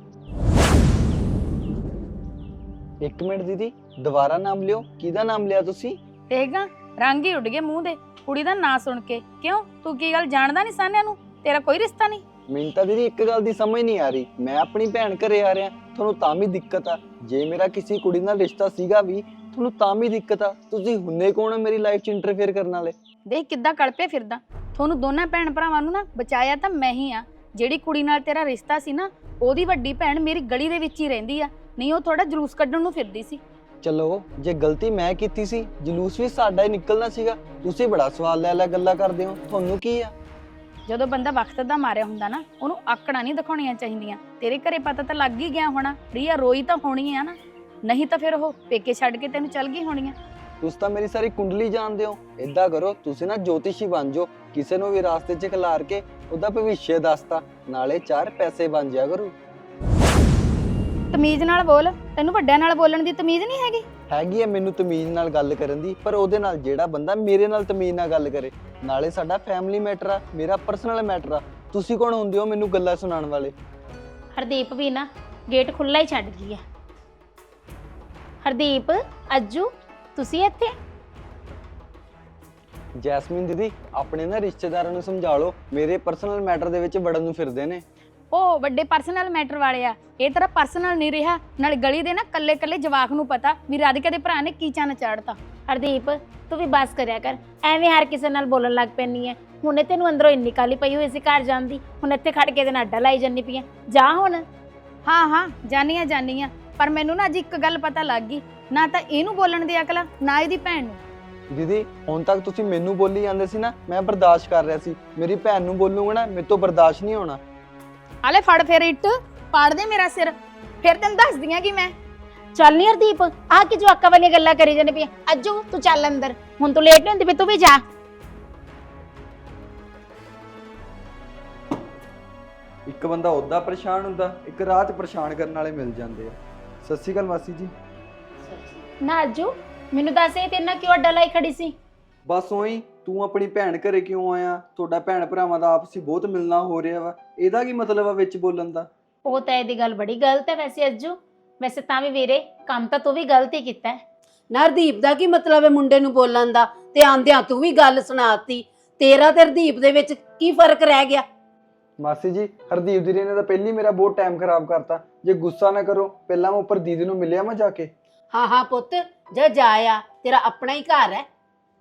[SPEAKER 1] ਇੱਕ ਮਿੰਟ ਦੀਦੀ, ਦੁਬਾਰਾ ਨਾਮ ਲਿਓ। ਕਿਹਦਾ ਨਾਮ ਲਿਆ ਤੁਸੀਂ?
[SPEAKER 7] ਦੇਖਗਾ ਰੰਗ ਹੀ ਉੱਡ ਗਏ ਮੂੰਹ ਦੇ ਕੁੜੀ ਦਾ ਨਾਂ ਸੁਣ ਕੇ। ਕਿਉਂ, ਤੂੰ ਕੀ ਗੱਲ ਜਾਣਦਾ ਨਹੀਂ ਸਾਨਿਆ ਨੂੰ? ਤੇਰਾ ਕੋਈ ਰਿਸ਼ਤਾ ਨਹੀਂ?
[SPEAKER 1] ਮੈਨੂੰ ਤਾਂ ਦੀਦੀ ਇੱਕ ਗੱਲ ਦੀ ਸਮਝ ਨਹੀਂ ਆ ਰਹੀ, ਮੈਂ ਆਪਣੀ ਭੈਣ ਘਰੇ ਆ ਰਿਹਾ, ਤੁਹਾਨੂੰ ਤਾਂ ਵੀ ਦਿੱਕਤ ਆ। ਜੇ ਮੇਰਾ ਕਿਸੇ ਕੁੜੀ ਨਾਲ ਰਿਸ਼ਤਾ ਸੀਗਾ ਵੀ, ਤੁਹਾਨੂੰ ਤਾਂ ਵੀ ਦਿੱਕਤ ਆ। ਤੁਸੀਂ ਹੁੰਨੇ ਕੌਣ ਹੋ ਮੇਰੀ ਲਾਈਫ 'ਚ ਇੰਟਰਫੇਅਰ ਕਰਨ ਵਾਲੇ?
[SPEAKER 7] ਦੇਖ ਕਿੱਦਾਂ ਕਲਪੇ ਫਿਰਦਾ। ਤੁਹਾਨੂੰ ਦੋਨਾਂ ਭੈਣ ਭਰਾਵਾਂ ਨੂੰ ਨਾ ਬਚਾਇਆ ਤਾਂ ਮੈਂ ਹੀ ਆ। ਜਿਹੜੀ ਕੁੜੀ ਨਾਲ ਤੇਰਾ ਰਿਸ਼ਤਾ ਸੀ ਨਾ, ਉਹਦੀ ਵੱਡੀ ਭੈਣ ਮੇਰੀ ਗਲੀ ਦੇ ਵਿੱਚ ਹੀ ਰਹਿੰਦੀ ਆ, ਨਹੀਂ ਉਹ ਥੋੜਾ ਜਲੂਸ ਕੱਢਣ ਨੂੰ ਫਿਰਦੀ ਸੀ।
[SPEAKER 1] ਚਲੋ ਜੇ ਗਲਤੀ ਮੈਂ ਕੀਤੀ ਸੀ, ਜਲੂਸ ਵੀ ਸਾਡਾ ਹੀ ਨਿਕਲਣਾ ਸੀਗਾ। ਤੁਸੀਂ ਬੜਾ ਸਵਾਲ ਲੈ ਗੱਲਾਂ ਕਰਦੇ ਹੋ, ਤੁਹਾਨੂੰ ਕੀ ਆ?
[SPEAKER 7] ਜਦੋਂ ਬੰਦਾ ਵਕਤ ਦਾ ਮਾਰਿਆ ਹੁੰਦਾ ਨਾ, ਉਹਨੂੰ ਆਕੜਾਂ ਨਹੀਂ ਦਿਖਾਉਣੀਆਂ ਚਾਹੀਦੀਆਂ। ਤੇਰੇ ਘਰੇ ਪਤਾ ਤਾਂ ਲੱਗ ਹੀ ਗਿਆ ਹੋਣਾ, ਰੀਆ ਰੋਈ ਤਾਂ ਹੋਣੀ ਆ ਨਾ, ਨਹੀਂ ਤਾਂ ਫਿਰ ਉਹ ਪੇਕੇ ਛੱਡ ਕੇ ਤੈਨੂੰ ਚੱਲ ਗਈ ਹੋਣੀ ਆ।
[SPEAKER 1] ਤੁਸੀਂ ਤਾਂ ਮੇਰੀ ਸਾਰੀ ਕੁੰਡਲੀ ਜਾਣਦੇ ਹੋ। ਏਦਾਂ ਕਰੋ, ਤੁਸੀਂ ਨਾ ਜੋਤਿਸ਼ੀ ਬਣ ਜਾਓ, ਕਿਸੇ ਨੂੰ ਵੀ ਰਾਸਤੇ 'ਚ ਖਿਲਾਰ ਕੇ ਉਹਦਾ ਭਵਿੱਖ ਦੱਸਤਾ, ਨਾਲੇ 4 ਪੈਸੇ ਬਣ ਜਾ ਕਰੂ।
[SPEAKER 7] ਤਮੀਜ਼ ਨਾਲ ਬੋਲ, ਤੈਨੂੰ ਵੱਡਿਆਂ ਨਾਲ ਬੋਲਣ ਦੀ ਤਮੀਜ਼ ਨਹੀਂ ਹੈਗੀ?
[SPEAKER 1] ਹੈਗੀ ਹੈ ਮੈਨੂੰ ਤਮੀਜ਼ ਨਾਲ ਗੱਲ ਕਰਨ ਦੀ, ਪਰ ਉਹਦੇ ਨਾਲ ਜਿਹੜਾ ਬੰਦਾ ਮੇਰੇ ਨਾਲ ਤਮੀਜ਼ ਨਾਲ ਗੱਲ ਕਰੇ। ਨਾਲੇ ਸਾਡਾ ਫੈਮਿਲੀ ਮੈਟਰ ਆ, ਮੇਰਾ ਪਰਸਨਲ ਮੈਟਰ ਆ। ਤੁਸੀਂ ਕੌਣ ਹੁੰਦੇ ਹੋ ਮੈਨੂੰ ਗੱਲਾਂ ਸੁਣਾਉਣ ਵਾਲੇ?
[SPEAKER 8] ਹਰਦੀਪ ਵੀ ਨਾ ਗੇਟ ਖੁੱਲਾ ਹੀ ਛੱਡ ਗਈ ਆ। ਹਰਦੀਪ, ਅੱਜੂ, ਤੁਸੀਂ ਇੱਥੇ?
[SPEAKER 1] ਜੈਸਮੀਨ ਦੀਦੀ, ਆਪਣੇ ਨਾ ਰਿਸ਼ਤੇਦਾਰਾਂ ਨੂੰ ਸਮਝਾ ਲਓ, ਮੇਰੇ ਪਰਸਨਲ ਮੈਟਰ ਦੇ ਵਿੱਚ ਵੜਨ ਨੂੰ ਫਿਰਦੇ ਨੇ।
[SPEAKER 7] ਉਹ ਵੱਡੇ ਪਰਸਨਲ ਮੈਟਰ ਵਾਲੇ ਆ, ਇਹ ਤੇਰਾ ਪਰਸਨਲ ਨਹੀਂ ਰਿਹਾ। ਨਾਲ ਗਲੀ ਦੇ ਨਾ ਕੱਲੇ ਕੱਲੇ ਜਵਾਕ ਨੂੰ ਪਤਾ ਵੀ ਰਾਧਿਕਾ ਦੇ ਭਰਾ ਨੇ ਕੀ ਚੰਨ ਚਾੜਤਾ।
[SPEAKER 8] ਹਰਦੀਪ, ਤੂੰ ਵੀ ਬਸ ਕਰਿਆ ਕਰ, ਐਵੇਂ ਹਰ ਕਿਸੇ ਨਾਲ ਬੋਲਣ ਲੱਗ ਪੈਣੀ ਹੈ। ਹੁਣੇ ਤੈਨੂੰ ਅੰਦਰੋਂ ਇੰਨੀ ਕਾਲੀ ਪਈ ਹੋਈ ਸੀ ਘਰ ਜਾਣ ਦੀ, ਹੁਣ ਇੱਥੇ ਖੜ ਕੇ ਇਹਦੇ ਨਾਲ ਅੱਡਾ ਲਾਈ ਜਾਂਦੀ ਪਈ ਆ। ਜਾ ਹੁਣ।
[SPEAKER 7] ਹਾਂ ਜਾਨੀ ਆ, ਪਰ ਮੈਨੂੰ ਨਾ ਅੱਜ ਇੱਕ ਗੱਲ ਪਤਾ ਲੱਗ ਗਈ, ਨਾ ਤਾਂ ਇਹਨੂੰ ਬੋਲਣ ਦੀ ਅਕਲ ਆ, ਨਾ ਇਹਦੀ ਭੈਣ ਨੂੰ।
[SPEAKER 1] ਦੀਦੀ, ਹੁਣ ਤੱਕ ਤੁਸੀਂ ਮੈਨੂੰ ਬੋਲੀ ਜਾਂਦੇ ਸੀ ਨਾ, ਮੈਂ ਬਰਦਾਸ਼ਤ ਕਰ ਰਿਹਾ ਸੀ। ਮੇਰੀ ਭੈਣ ਨੂੰ ਬੋਲੂਗਾ ਨਾ, ਮੇਰੇ ਤੋਂ ਬਰਦਾਸ਼ਤ ਨਹੀਂ ਹੋਣਾ।
[SPEAKER 7] ਆਲੇ ਫੜ ਫੇਰ ਇੱਟ, ਪਾੜ ਦੇ ਮੇਰਾ ਸਿਰ, ਫਿਰ ਤੈਨੂੰ ਦੱਸਦੀ ਆ ਕਿ ਮੈਂ
[SPEAKER 8] ਚੱਲ ਨੀ ਹਰਦੀਪ, ਆਹ ਕੀ ਜਵਾਕਾਂ ਵਾਲੀਆਂ ਗੱਲਾਂ ਕਰੀ ਜਾਂਦੀ ਪਈ ਆ। ਅੱਜੂ, ਤੂੰ ਚੱਲ ਅੰਦਰ, ਹੁਣ ਤੂੰ ਲੇਟ ਨਹੀਂ ਹੁੰਦੀ ਪਈ, ਤੂੰ ਵੀ ਜਾ।
[SPEAKER 1] ਇੱਕ ਬੰਦਾ ਉੱਦਾਂ ਪਰੇਸ਼ਾਨ ਹੁੰਦਾ, ਇੱਕ ਰਾਤ ਪਰੇਸ਼ਾਨ ਕਰਨ ਵਾਲੇ ਮਿਲ ਜਾਂਦੇ ਆ। ਸਤਿ ਸ਼੍ਰੀ ਅਕਾਲ ਮਾਸੀ ਜੀ।
[SPEAKER 8] ਨਾ ਅੱਜੂ, ਮੈਨੂੰ ਦੱਸ ਇਹ ਤੇਰੇ ਨਾਲ ਕਿਉਂ ਅੱਡਾ ਲਾਈ ਖੜੀ ਸੀ?
[SPEAKER 1] ਬਸ ਉਹੀ, ਤੂੰ ਆਪਣੀ ਭੈਣ ਘਰੇ ਕਿਉਂ ਆਇਆ? ਤੁਹਾਡਾ ਭੈਣ ਭਰਾਵਾਂ ਦਾ ਆਪਸੀ ਬਹੁਤ ਮਿਲਣਾ ਹੋ ਰਿਹਾ ਵਾ, ਇਹਦਾ ਕੀ ਮਤਲਬ ਆ ਵਿੱਚ ਬੋਲਣ ਦਾ?
[SPEAKER 8] ਉਹ ਤਾਂ ਇਹਦੀ ਗੱਲ ਬੜੀ ਗਲਤ ਹੈ ਵੈਸੇ ਅੱਜੂ। ਵੈਸੇ ਤਾਂ ਵੀ ਵੀਰੇ, ਕੰਮ ਤਾਂ ਤੂੰ ਵੀ ਗਲਤ ਹੀ ਕੀਤਾ ਹੈ।
[SPEAKER 3] ਨਾ ਹਰਦੀਪ ਦਾ ਕੀ ਮਤਲਬ ਹੈ ਮੁੰਡੇ ਨੂੰ ਬੋਲਣ ਦਾ? ਤੇ ਆਂਦਿਆਂ ਤੂੰ ਵੀ ਗੱਲ ਸੁਣਾਤੀ। ਤੇਰਾ ਤੇ ਹਰਦੀਪ ਦੇ ਵਿੱਚ ਕੀ ਫਰਕ ਰਹਿ ਗਿਆ?
[SPEAKER 1] ਮਾਸੀ ਜੀ, ਹਰਦੀਪ ਦੀਦੀ ਨੇ ਤਾਂ ਪਹਿਲੀ ਮੇਰਾ ਬਹੁਤ ਟਾਈਮ ਖਰਾਬ ਕਰਤਾ। ਜੇ ਗੁੱਸਾ ਨਾ ਕਰੋ, ਪਹਿਲਾਂ ਮੈਂ ਉੱਪਰ ਦੀਦੀ ਨੂੰ ਮਿਲਿਆ ਮੈਂ ਜਾ ਕੇ।
[SPEAKER 3] ਹਾਂ ਪੁੱਤ, ਜਾ ਆ, ਤੇਰਾ ਆਪਣਾ ਹੀ ਘਰ ਹੈ।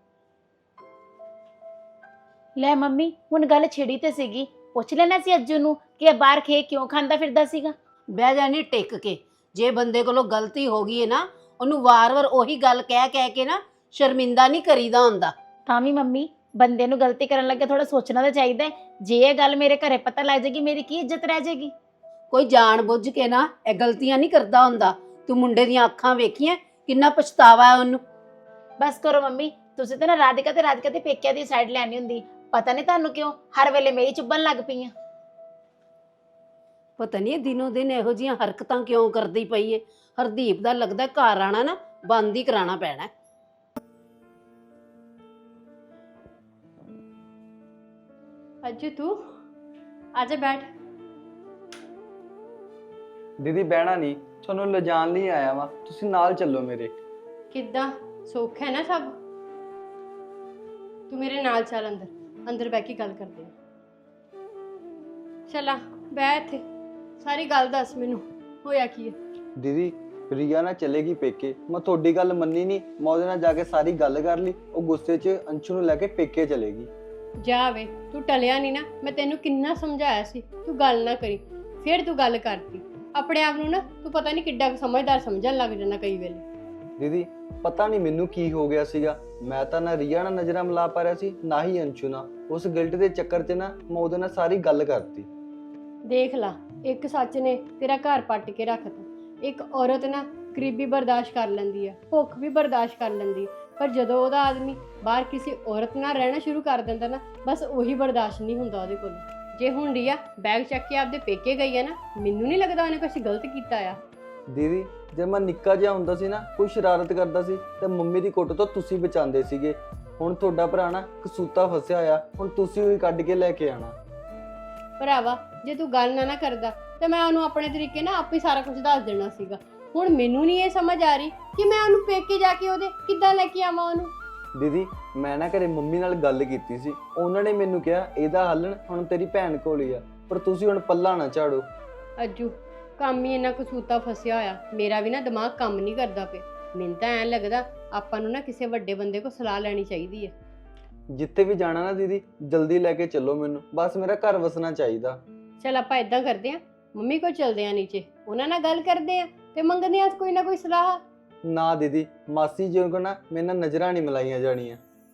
[SPEAKER 8] ਲੈ ਮੰਮੀ, ਹੁਣ ਗੱਲ ਛਿੜੀ ਤੇ ਸੀਗੀ, ਪੁੱਛ ਲੈਣਾ ਸੀ ਅੱਜੂ ਨੂੰ ਕਿ ਇਹ ਬਾਹਰ ਖੇ ਕਿਉਂ ਖਾਂਦਾ ਫਿਰਦਾ ਸੀਗਾ।
[SPEAKER 3] ਬਹਿ ਜਾਣੀ ਟਿਕ ਕੇ। ਜੇ ਬੰਦੇ ਕੋਲੋਂ ਗਲਤੀ ਹੋ ਗਈ ਹੈ ਨਾ, ਉਹਨੂੰ ਵਾਰ-ਵਾਰ ਉਹੀ ਗੱਲ ਕਹਿ ਕੇ ਨਾ ਸ਼ਰਮਿੰਦਾ ਨਹੀਂ ਕਰੀਦਾ ਹੁੰਦਾ।
[SPEAKER 8] ਤਾਂ ਵੀ ਮੰਮੀ, ਬੰਦੇ ਨੂੰ ਗਲਤੀ ਕਰਨ ਲੱਗੇ ਥੋੜਾ ਸੋਚਣਾ ਤਾਂ ਚਾਹੀਦਾ ਹੈ। ਜੇ ਇਹ ਗੱਲ ਮੇਰੇ ਘਰੇ ਪਤਾ ਲੱਗ ਜਾਏਗੀ, ਮੇਰੀ ਕੀ ਇੱਜ਼ਤ ਰਹਿ ਜਾਏਗੀ?
[SPEAKER 3] ਕੋਈ ਜਾਣ ਬੁੱਝ ਕੇ ਨਾ ਇਹ ਗਲਤੀਆਂ ਨਹੀਂ ਕਰਦਾ ਹੁੰਦਾ। ਤੂੰ ਮੁੰਡੇ ਦੀਆਂ ਅੱਖਾਂ ਵੇਖੀਆਂ, ਕਿੰਨਾ ਪਛਤਾਵਾ ਹੈ ਉਹਨੂੰ।
[SPEAKER 8] ਬਸ ਕਰੋ ਮੰਮੀ, ਤੁਸੀਂ ਤਾਂ ਨਾ ਰਾਧਿਕਾ ਤੇ ਪੇਕਿਆਂ ਦੀ ਸਾਈਡ ਲੈਣੀ ਹੁੰਦੀ। ਪਤਾ ਨਹੀਂ ਤੁਹਾਨੂੰ ਕਿਉਂ ਹਰ ਵੇਲੇ ਮੇਰੀ ਚੁੱਭਣ ਲੱਗ ਪਈਆਂ।
[SPEAKER 3] ਪਤਾ ਨਹੀਂ ਇਹ ਦਿਨੋਂ ਦਿਨ ਇਹੋ ਜਿਹੀਆਂ ਹਰਕਤਾਂ ਕਿਉਂ ਕਰਦੀ ਪਈ ਏ। ਹਰਦੀਪ ਦਾ ਲੱਗਦਾ ਘਰ ਆਣਾ ਨਾ ਬੰਦ ਹੀ ਕਰਾਉਣਾ ਪੈਣਾ।
[SPEAKER 9] ਅੱਜੂ, ਤੂੰ ਆਜਾ ਬੈਠ।
[SPEAKER 1] ਦੀਦੀ ਬਹਿਣਾ ਨਹੀਂ, ਤੁਹਾਨੂੰ ਲਿਜਾਣ ਲਈ ਆਇਆ ਵਾਂ, ਤੁਸੀਂ ਨਾਲ ਚੱਲੋ ਮੇਰੇ।
[SPEAKER 9] ਕਿੱਦਾਂ, ਸੁੱਖ ਹੈ ਨਾ ਸਭ? ਤੂੰ ਮੇਰੇ ਨਾਲ ਚੱਲ ਅੰਦਰ, ਅੰਦਰ ਬਹਿ ਕੇ ਗੱਲ ਕਰਦੇ ਆ। ਚਲਾ ਬਹਿ ਇੱਥੇ, ਸਾਰੀ ਗੱਲ ਦੱਸ ਮੈਨੂੰ, ਹੋਇਆ ਕੀ ਹੈ?
[SPEAKER 1] ਦੀਦੀ, ਰੀਆ ਨਾ ਚਲੇਗੀ ਪੇਕੇ। ਮੈਂ ਤੁਹਾਡੀ ਗੱਲ ਮੰਨੀ ਨਹੀਂ, ਮੈਂ ਉਹਦੇ ਨਾਲ ਜਾ ਕੇ ਸਾਰੀ ਗੱਲ ਕਰ ਲਈ। ਉਹ ਗੁੱਸੇ 'ਚ ਅੰਸ਼ੂ ਨੂੰ ਲੈ ਕੇ ਪੇਕੇ ਚਲੇਗੀ।
[SPEAKER 9] ਜਾ ਵੇ, ਤੂੰ ਟਲਿਆ ਨਹੀਂ ਨਾ। ਮੈਂ ਤੈਨੂੰ ਕਿੰਨਾ ਸਮਝਾਇਆ ਸੀ ਤੂੰ ਗੱਲ ਨਾ ਕਰੀ, ਫਿਰ ਤੂੰ ਗੱਲ ਕਰਤੀ। ਆਪਣੇ ਆਪ ਨੂੰ ਨਾ ਤੂੰ ਪਤਾ ਨਹੀਂ ਕਿੱਡਾ ਸਮਝਦਾਰ ਸਮਝਣ ਲੱਗ ਜਾਂਦਾ ਕਈ ਵੇਲੇ।
[SPEAKER 1] ਦੀਦੀ, ਪਤਾ ਨਹੀਂ ਮੈਨੂੰ ਕੀ ਹੋ ਗਿਆ ਸੀਗਾ, ਮੈਂ ਤਾਂ ਨਾ ਰੀਆ ਨਾਲ ਨਜ਼ਰਾਂ ਮਿਲਾ ਪਾ ਰਿਹਾ ਸੀ, ਨਾ ਹੀ ਅੰਸ਼ੂ ਨਾਲ। ਉਸ ਗਿਲਟ ਦੇ ਚੱਕਰ 'ਚ ਨਾ ਮੈਂ ਉਹਦੇ ਨਾਲ ਸਾਰੀ ਗੱਲ ਕਰਤੀ।
[SPEAKER 9] ਦੇਖ ਲਾ, ਇੱਕ ਸੱਚ ਨੇ ਤੇਰਾ ਘਰ ਪੱਟ ਕੇ ਰੱਖਤਾ। ਇੱਕ ਔਰਤ ਨਾ ਗਰੀਬੀ ਬਰਦਾਸ਼ਤ ਕਰ ਲੈਂਦੀ ਆ, ਭੁੱਖ ਵੀ ਬਰਦਾਸ਼ਤ ਕਰ ਲੈਂਦੀ, ਪਰ ਜਦੋਂ ਉਹਦਾ ਆਦਮੀ ਬਾਹਰ ਕਿਸੇ ਔਰਤ ਨਾਲ ਰਹਿਣਾ ਸ਼ੁਰੂ ਕਰ ਦਿੰਦਾ ਨਾ, ਬਸ ਉਹੀ ਬਰਦਾਸ਼ਤ ਨਹੀਂ ਹੁੰਦਾ ਉਹਦੇ ਕੋਲ। ਜੇ ਹੁਣ ਰੀਆ ਬੈਗ ਚੱਕ ਕੇ ਆਪਦੇ ਪੇਕੇ ਗਈ ਆ ਨਾ, ਮੈਨੂੰ ਨਹੀਂ ਲੱਗਦਾ ਉਹਨੇ ਕੁਝ ਗਲਤ ਕੀਤਾ ਆ।
[SPEAKER 1] ਦੀਦੀ, ਜੇ ਮੈਂ ਨਿੱਕਾ ਜਿਹਾ ਹੁੰਦਾ ਸੀ ਨਾ, ਕੋਈ ਸ਼ਰਾਰਤ ਕਰਦਾ ਸੀ ਤੇ ਮੰਮੀ ਦੀ ਕੁੱਟ ਤੋਂ ਤੁਸੀਂ ਬਚਾਉਂਦੇ ਸੀਗੇ। ਹੁਣ ਤੁਹਾਡਾ ਭਰਾ ਨਾ ਕਸੂਤਾ ਫਸਿਆ ਆ, ਹੁਣ ਤੁਸੀਂ ਉਹੀ ਕੱਢ ਕੇ ਲੈ ਕੇ ਆਣਾ।
[SPEAKER 9] ਭਰਾਵਾ, ਜੇ ਤੂੰ ਗੱਲ ਨਾ ਕਰਦਾ ਤੇ ਮੈਂ ਉਹਨੂੰ ਆਪਣੇ ਤਰੀਕੇ ਨਾਲ ਆਪੇ ਸਾਰਾ ਕੁਝ ਦੱਸ ਦੇਣਾ ਸੀਗਾ। ਹੁਣ ਮੈਨੂੰ ਨਹੀਂ ਇਹ ਸਮਝ ਆ ਰਹੀ ਕਿ ਮੈਂ ਉਹਨੂੰ ਪੇਕੇ ਜਾ ਕੇ ਉਹਦੇ ਕਿੱਦਾਂ ਲੈ ਕੇ ਆਵਾਂ ਉਹਨੂੰ।
[SPEAKER 1] ਦੀਦੀ, ਮੈਂ ਨਾ ਘਰੇ ਮੰਮੀ ਨਾਲ ਗੱਲ ਕੀਤੀ ਸੀ, ਉਹਨਾਂ ਨੇ ਮੈਨੂੰ ਕਿਹਾ ਇਹਦਾ ਹੱਲ ਹੁਣ ਤੇਰੀ ਭੈਣ ਕੋਲ ਹੀ ਆ, ਪਰ ਤੁਸੀਂ ਹੁਣ ਪੱਲਾ ਨਾ ਝਾੜੋ।
[SPEAKER 9] ਅੱਜੂ, ਕੰਮ ਹੀ ਇੰਨਾ ਕਸੂਤਾ ਫਸਿਆ ਹੋਇਆ, ਮੇਰਾ ਵੀ ਨਾ ਦਿਮਾਗ ਕੰਮ ਨਹੀਂ ਕਰਦਾ ਪਿਆ। ਮੈਨੂੰ ਤਾਂ ਐਂ ਲੱਗਦਾ ਆਪਾਂ ਨੂੰ ਨਾ ਕਿਸੇ ਵੱਡੇ ਬੰਦੇ ਕੋਲ ਸਲਾਹ ਲੈਣੀ ਚਾਹੀਦੀ ਹੈ।
[SPEAKER 1] ਜਿੱਥੇ ਵੀ ਜਾਣਾ ਨਾ ਦੀਦੀ, ਜਲਦੀ ਲੈ ਕੇ ਚੱਲੋ ਮੈਨੂੰ, ਬਸ ਮੇਰਾ ਘਰ ਵਸਣਾ ਚਾਹੀਦਾ।
[SPEAKER 9] ਚਲ ਆਪਾਂ ਇਦਾਂ ਕਰਦੇ ਆਂ, ਮੰਮੀ ਕੋਲ ਚਲਦੇ ਆਂ ਨੀਚੇ, ਉਹਨਾਂ ਨਾਲ ਗੱਲ ਕਰਦੇ ਆਂ ਤੇ ਮੰਗਦੇ ਆਂ ਕੋਈ ਨਾ ਕੋਈ ਸਲਾਹ।
[SPEAKER 1] ਨਾ ਦੀਦੀ, ਮਾਸੀ ਜੀ ਕੋ ਨਾ ਮੇਰੇ ਨਾਲ ਨਜ਼ਰਾਂ ਨਹੀਂ ਮਿਲਾਈਆਂ ਜਾਣੀਆਂ।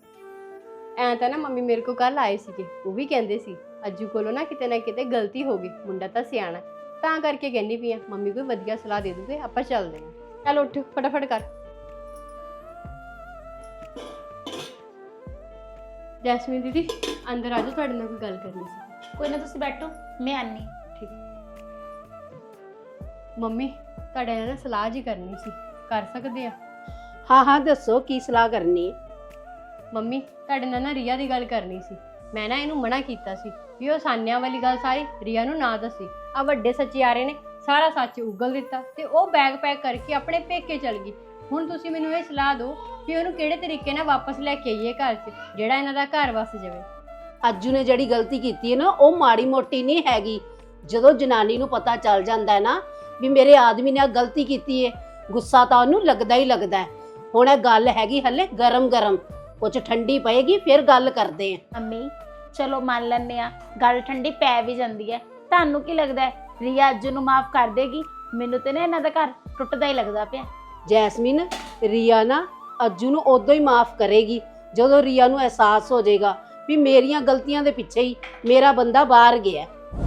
[SPEAKER 9] ਐਂ ਤਾਂ ਨਾ ਮੰਮੀ ਮੇਰੇ ਕੋਲ ਕੱਲ ਆਏ ਸੀਗੇ, ਉਹ ਵੀ ਕਹਿੰਦੇ ਸੀ ਅੱਜੂ ਕੋਲੋਂ ਨਾ ਕਿਤੇ ਗਲਤੀ ਹੋ ਗਈ, ਮੁੰਡਾ ਤਾਂ ਸਿਆਣਾ, ਤਾਂ ਕਰਕੇ ਕਹਿੰਦੀ ਪਈ ਆ ਮੰਮੀ ਕੋਈ ਵਧੀਆ ਸਲਾਹ ਦੇ ਦੂਗੇ, ਆਪਾਂ ਚੱਲਦੇ ਆਂ। ਚੱਲ ਉੱਠ ਫਟਾਫਟ ਕਰ। ਜੈਸਮੀਨ ਦੀਦੀ, ਅੰਦਰ ਆ ਜਾਓ, ਤੁਹਾਡੇ ਨਾਲ ਕੋਈ ਗੱਲ ਕਰਨੀ ਸੀ।
[SPEAKER 8] ਕੋਈ ਨਾ ਤੁਸੀਂ ਬੈਠੋ, ਮੈਂ ਆਨੀ।
[SPEAKER 9] ਮੰਮੀ ਤੁਹਾਡੇ ਨਾਲ ਨਾ ਸਲਾਹ ਜੀ ਕਰਨੀ ਸੀ, ਕਰ ਸਕਦੇ ਆ?
[SPEAKER 3] ਹਾਂ ਹਾਂ ਦੱਸੋ ਕੀ ਸਲਾਹ ਕਰਨੀ ਹੈ।
[SPEAKER 9] ਮੰਮੀ ਤੁਹਾਡੇ ਨਾਲ ਨਾ ਰੀਆ ਦੀ ਗੱਲ ਕਰਨੀ ਸੀ। ਮੈਂ ਨਾ ਇਹਨੂੰ ਮਨਾ ਕੀਤਾ ਸੀ ਵੀ ਉਹ ਸਾਨਿਆਂ ਵਾਲੀ ਗੱਲ ਸਾਰੀ ਰੀਆ ਨੂੰ ਨਾ ਦੱਸੀ। ਆ ਵੱਡੇ ਸਚਿਆਰੇ ਨੇ ਸਾਰਾ ਸੱਚ ਉਗਲ ਦਿੱਤਾ ਤੇ ਉਹ ਬੈਗ ਪੈਕ ਕਰਕੇ ਆਪਣੇ ਪੇਕੇ ਚਲ ਗਈ। ਹੁਣ ਤੁਸੀਂ ਮੈਨੂੰ ਇਹ ਸਲਾਹ ਦਿਓ ਵੀ ਉਹਨੂੰ ਕਿਹੜੇ ਤਰੀਕੇ ਨਾਲ ਵਾਪਸ ਲੈ ਕੇ ਆਈਏ ਘਰ 'ਚ, ਜਿਹੜਾ ਇਹਨਾਂ ਦਾ ਘਰ ਵਸ ਜਾਵੇ।
[SPEAKER 3] ਅੱਜੂ ਨੇ ਜਿਹੜੀ ਗਲਤੀ ਕੀਤੀ ਹੈ ਨਾ, ਉਹ ਮਾੜੀ ਮੋਟੀ ਨਹੀਂ ਹੈਗੀ। ਜਦੋਂ ਜਨਾਨੀ ਨੂੰ ਪਤਾ ਚੱਲ ਜਾਂਦਾ ਹੈ ਨਾ ਵੀ ਮੇਰੇ ਆਦਮੀ ਨੇ ਆ ਗਲਤੀ ਕੀਤੀ ਹੈ, ਗੁੱਸਾ ਤਾਂ ਉਹਨੂੰ ਲੱਗਦਾ ਹੀ ਲੱਗਦਾ ਹੈ। ਹੁਣ ਇਹ ਗੱਲ ਹੈਗੀ ਹਲੇ ਗਰਮ ਗਰਮ, ਕੁਝ ਠੰਡੀ ਪਏਗੀ ਫਿਰ ਗੱਲ ਕਰਦੇ ਆ।
[SPEAKER 8] ਮੰਮੀ ਚਲੋ ਮੰਨ ਲੈਂਦੇ ਆ, ਗੱਲ ਠੰਡੀ ਪੈ ਵੀ ਜਾਂਦੀ ਹੈ। ਤੁਹਾਨੂੰ ਕੀ ਲੱਗਦਾ ਹੈ ਰੀਆ ਅੱਜੂ ਨੂੰ ਮਾਫ ਕਰ ਦੇਗੀ? ਮੈਨੂੰ ਤੇ ਨਾ ਇਹਨਾਂ ਦਾ ਘਰ ਟੁੱਟਦਾ ਹੀ ਲੱਗਦਾ ਪਿਆ।
[SPEAKER 3] ਜੈਸਮੀਨ, ਰੀਆ ਨਾ ਅੱਜੂ ਨੂੰ ਉਦੋਂ ਹੀ ਮਾਫ ਕਰੇਗੀ ਜਦੋਂ ਰੀਆ ਨੂੰ ਅਹਿਸਾਸ ਹੋ ਜਾਏਗਾ ਵੀ ਮੇਰੀਆਂ ਗਲਤੀਆਂ ਦੇ ਪਿੱਛੇ ਹੀ ਮੇਰਾ ਬੰਦਾ ਬਾਹਰ ਗਿਆ।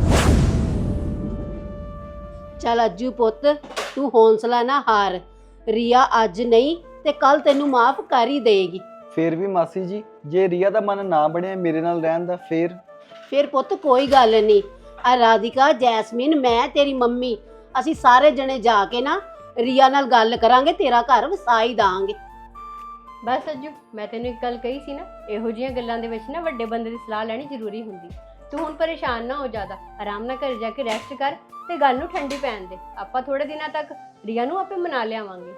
[SPEAKER 3] ਚੱਲ ਅੱਜੂ ਪੁੱਤ, ਤੂੰ ਹੌਂਸਲਾ ਨਾ ਹਾਰ। ਰੀਆ ਅੱਜ ਨਹੀਂ ਤੇ ਕੱਲ ਤੈਨੂੰ ਮਾਫ ਕਰ ਹੀ ਦੇਗੀ।
[SPEAKER 1] ਫੇਰ ਵੀ ਮਾਸੀ ਜੀ, ਜੇ ਰੀਆ ਦਾ ਮਨ ਨਾ ਬਣਿਆ ਮੇਰੇ ਨਾਲ ਰਹਿਣ ਦਾ,
[SPEAKER 3] ਫਿਰ ਪੁੱਤ ਕੋਈ ਗੱਲ ਨਹੀਂ। ਆ ਰਾਧਿਕਾ, ਜੈਸਮੀਨ, ਮੈਂ ਤੇਰੀ ਮੰਮੀ, ਅਸੀਂ ਸਾਰੇ ਜਣੇ ਜਾ ਕੇ ਨਾ ਰੀਆ ਨਾਲ ਗੱਲ ਕਰਾਂਗੇ, ਤੇਰਾ ਘਰ ਵਸਾ ਹੀ ਦਾਂਗੇ।
[SPEAKER 9] ਬਸ ਅੱਜੂ, ਮੈਂ ਤੈਨੂੰ ਇੱਕ ਗੱਲ ਕਹੀ ਸੀ ਨਾ, ਇਹੋ ਜਿਹੀਆਂ ਗੱਲਾਂ ਦੇ ਵਿੱਚ ਨਾ ਵੱਡੇ ਬੰਦੇ ਦੀ ਸਲਾਹ ਲੈਣੀ ਜ਼ਰੂਰੀ ਹੁੰਦੀ। ਤੂੰ ਹੁਣ ਪਰੇਸ਼ਾਨ ਨਾ ਹੋ ਜ਼ਿਆਦਾ, ਆਰਾਮ ਨਾਲ ਘਰ ਜਾ ਕੇ ਰੈਸਟ ਕਰ ਤੇ ਗੱਲ ਨੂੰ ਠੰਡੀ ਪੈਣ ਦੇ। ਆਪਾਂ ਥੋੜੇ ਦਿਨਾਂ ਤੱਕ ਰੀਆ ਨੂੰ ਆਪੇ ਮਨਾ ਲਿਆਵਾਂਗੇ।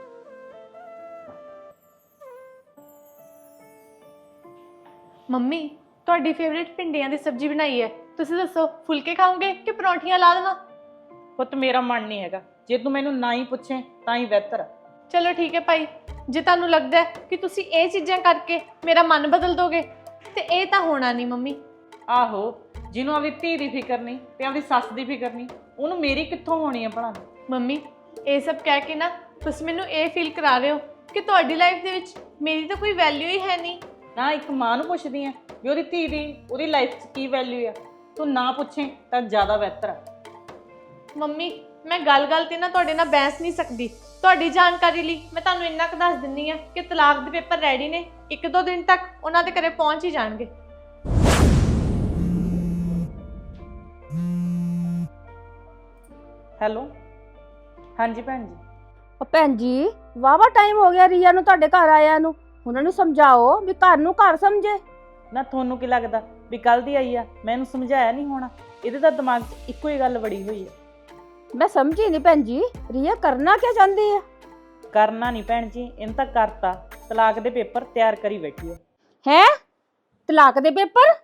[SPEAKER 6] ਮੰਮੀ ਤੁਹਾਡੀ ਫੇਵਰੇਟ ਭਿੰਡੀਆਂ ਦੀ ਸਬਜ਼ੀ ਬਣਾਈ ਹੈ, ਤੁਸੀਂ ਦੱਸੋ ਫੁਲਕੇ ਖਾਓਗੇ ਕਿ ਪਰੌਂਠੀਆਂ ਲਾ ਦੇਵਾਂ?
[SPEAKER 4] ਪੁੱਤ ਮੇਰਾ ਮਨ ਨਹੀਂ ਹੈਗਾ, ਜੇ ਤੂੰ ਮੈਨੂੰ ਨਾ ਹੀ ਪੁੱਛੇ ਤਾਂ ਹੀ ਬਿਹਤਰ।
[SPEAKER 6] ਚਲੋ ਠੀਕ ਹੈ ਭਾਈ, ਜੇ ਤੁਹਾਨੂੰ ਲੱਗਦਾ ਹੈ ਕਿ ਤੁਸੀਂ ਇਹ ਚੀਜ਼ਾਂ ਕਰਕੇ ਮੇਰਾ ਮਨ ਬਦਲ ਦੋਗੇ ਤੇ ਇਹ ਤਾਂ ਹੋਣਾ ਨਹੀਂ ਮੰਮੀ।
[SPEAKER 4] ਆਹੋ, ਜਿਹਨੂੰ ਆਪਣੀ ਧੀ ਦੀ ਫਿਕਰ ਨਹੀਂ ਤੇ ਆਪਣੀ ਸੱਸ ਦੀ ਫਿਕਰ ਨਹੀਂ, ਉਹਨੂੰ ਮੇਰੀ ਕਿੱਥੋਂ ਹੋਣੀ ਹੈ ਭਲਾ?
[SPEAKER 6] ਮੰਮੀ ਇਹ ਸਭ ਕਹਿ ਕੇ ਨਾ ਤੁਸੀਂ ਮੈਨੂੰ ਇਹ ਫੀਲ ਕਰਾ ਰਹੇ ਹੋ ਕਿ ਤੁਹਾਡੀ ਲਾਈਫ ਦੇ ਵਿੱਚ ਮੇਰੀ ਤਾਂ ਕੋਈ ਵੈਲਿਊ ਹੀ ਹੈ ਨਹੀਂ।
[SPEAKER 4] ਨਾ ਇੱਕ ਮਾਂ ਨੂੰ ਪੁੱਛਦੀ ਆ ਵੀ ਉਹਦੀ ਧੀ ਦੀ ਉਹਦੀ ਲਾਈਫ 'ਚ ਕੀ ਵੈਲਿਊ ਆ, ਤੂੰ ਨਾ ਪੁੱਛੇ ਤਾਂ ਜ਼ਿਆਦਾ ਬਿਹਤਰ ਆ।
[SPEAKER 6] ਮੰਮੀ ਮੈਂ ਗੱਲ ਤੇ ਨਾ ਤੁਹਾਡੇ ਨਾਲ ਬਹਿਸ ਨਹੀਂ ਸਕਦੀ। ਤੁਹਾਡੀ ਜਾਣਕਾਰੀ ਲਈ ਮੈਂ ਤੁਹਾਨੂੰ ਇੰਨਾ ਕੁ ਦੱਸ ਦਿੰਦੀ ਆ ਕਿ ਤਲਾਕ ਦੇ ਪੇਪਰ ਰੈਡੀ ਨੇ, 1-2 ਦਿਨ ਤੱਕ ਉਹਨਾਂ ਦੇ ਘਰੇ ਪਹੁੰਚ ਹੀ ਜਾਣਗੇ।
[SPEAKER 4] ਹੈਲੋ, ਹਾਂਜੀ ਭੈਣ ਜੀ।
[SPEAKER 2] ਉਹ ਭੈਣ ਜੀ, ਵਾਵਾ ਟਾਈਮ ਹੋ ਗਿਆ ਰੀਆ ਨੂੰ ਤੁਹਾਡੇ ਘਰ ਆਇਆ ਨੂੰ। ਉਹਨਾਂ ਨੂੰ ਸਮਝਾਓ ਵੀ ਘਰ ਨੂੰ ਘਰ ਸਮਝੇ।
[SPEAKER 4] ਨਾ ਤੁਹਾਨੂੰ ਕੀ ਲੱਗਦਾ ਵੀ ਕੱਲ ਦੀ ਆਈ ਆ, ਮੈਂ ਇਹਨੂੰ ਸਮਝਾਇਆ ਨਹੀਂ ਹੋਣਾ? ਇਹਦੇ ਤਾਂ ਦਿਮਾਗ 'ਚ ਇੱਕੋ ਹੀ ਗੱਲ ਵੜੀ ਹੋਈ ਆ।
[SPEAKER 2] ਮੈਂ ਸਮਝੀ ਨਹੀਂ ਭੈਣ ਜੀ, ਰੀਆ ਕਰਨਾ ਕੀ ਚਾਹੁੰਦੀ ਹੈ?
[SPEAKER 4] ਕਰਨਾ ਨਹੀਂ ਭੈਣ ਜੀ, ਇਹਨੇ ਤਾਂ ਕਰਤਾ। ਤਲਾਕ ਦੇ ਪੇਪਰ ਤਿਆਰ ਕਰੀ ਬੈਠੀ ਆ।
[SPEAKER 2] ਹੈ ਤਲਾਕ ਦੇ ਪੇਪਰ?